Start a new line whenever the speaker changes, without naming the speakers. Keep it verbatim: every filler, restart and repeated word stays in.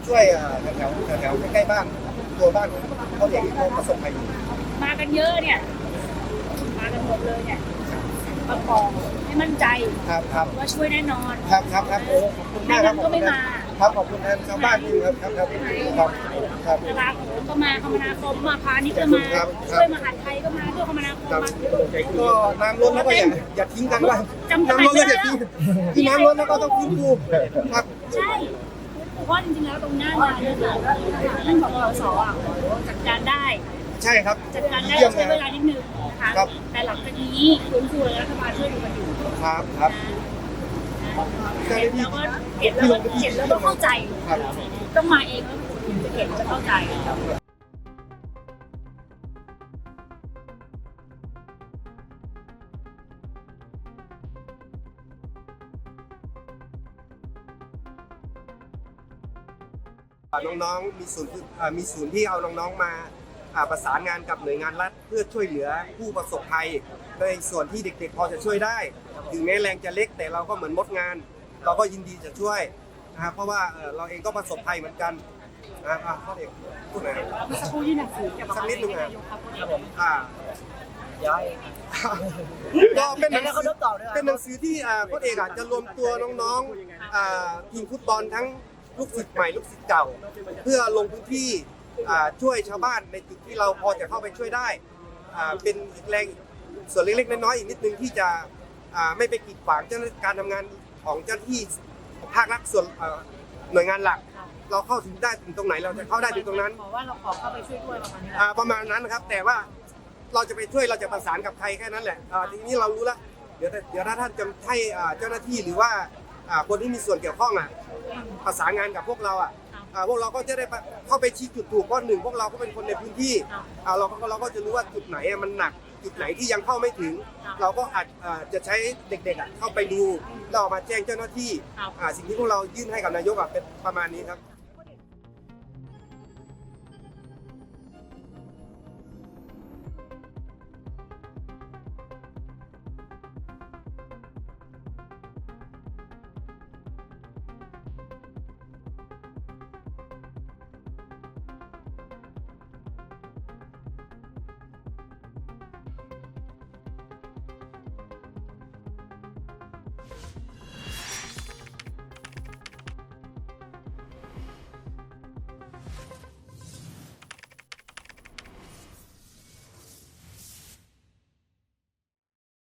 ช่วยแถวแถวแถวใกล้บ้านตัวบ้านของเขาเด็กที่เขาประสบภัยอยู่
มากันเยอะเนี่ยมากันหมดเลยเนี่ยประกอบให้มั่นใจ
ครับครับ
ว่าช่วยแน่นอน
ครับครับครับโอ้ขอบคุณมากครับ
ก็ไม่มา
ครับขอบคุณแทนชาวบ้านที่ครับครับครับครับครับ
กลาโหมก็มาคมนาคมมาพาณิชย์ก็มาช่วยมหาดไทยก็มาช่วยคมนาคมมา
ก็น้ำล้นแล้วก็อย่าอย่าทิ้งกันว่าน้ำล้นแล้วอย่าทิ้งที่น้ำล้นแล้วก็ต้องฟื้นฟูครับ
ใช่เพราะจริงๆแล้วตรงหน้างานเนี่ยค่ะท่านผอ.ส.อ่ะจัดการได้
ใช่ครับ
จัดการได้ใช้เวลานิดนึงนะคะแต่หลังจากนี้ฟื้นฟูรัฐบาลช่วยดูกันอยู่
ครับครับ
เห็นแล้วก็เห็นแล้วก็เห็นแล้วก็เข้าใจต้องมาเองแล้วถึงจะเห็นจะเข้าใจ
น้องๆมีศูนย์มีศูนย์ที่เอาน้องๆมาประสานงานกับหน่วยงานรัฐเพื่อช่วยเหลือผู้ประสบภัยในส่วนที่เด็กๆพอจะช่วยได้ถึงแม้แรงจะเล็กแต่เราก็เหมือนมดงานเราก็ยินดีจะช่วยนะครับเพราะว่าเราเองก็ประสบภัยเหมือนกันนะครับพ่อเด็กพูดหน่อย
เมื่อสักครู่ยื่นหนังสือ
สักนิดนึง
นะ
อ่า
ย้อย
ก็เป็นหนังสือเป็นหนังสือที่พ่อเอกอาจจะรวมตัวน้องๆทีมฟุตบอลทั้งลูกศิษย์ใหม่ลูกศิษย์เก่าเพื่อลงพื้นที่ช่วยชาวบ้านในจุดที่เราพอจะเข้าไปช่วยได้เป็นอีกแรงส่วนเล็กๆน้อยๆอีกนิดนึงที่จะไม่ไปกีดขวางเจ้าหน้าที่การทำงานของเจ้าหน้าที่ภาครัฐส่วนหน่วยงานหลักเราเข้าถึงได้ถึงตรงไหนเราจะเข้าได้ถึงตรงนั้น
บอกว่าเราขอเข้าไปช่วยด้วยประมาณนี้
ประมาณนั้นนะครับแต่ว่าเราจะไปช่วยเราจะประสานกับใครแค่นั้นแหละทีนี้เรารู้แล้วเดี๋ยวเดี๋ยวถ้าท่านจะให้เจ้าหน้าที่หรือว่าคนที่มีส่วนเกี่ยวข้องอ่ะประสานงานกับพวกเราอ่ะพวกเราก็จะได้เข้าไปชี้จุดถูกเพราะหนึ่งพวกเราก็เป็นคนในพื้นที่เราก็เราก็จะรู้ว่าจุดไหนมันหนักจุดไหนที่ยังเข้าไม่ถึงเราก็อาจจะใช้เด็กๆเข้าไปดูแล้วออกมาแจ้งเจ้าหน้าที่สิ่งที่พวกเรายื่นให้กับนายกเป็นประมาณนี้ครับ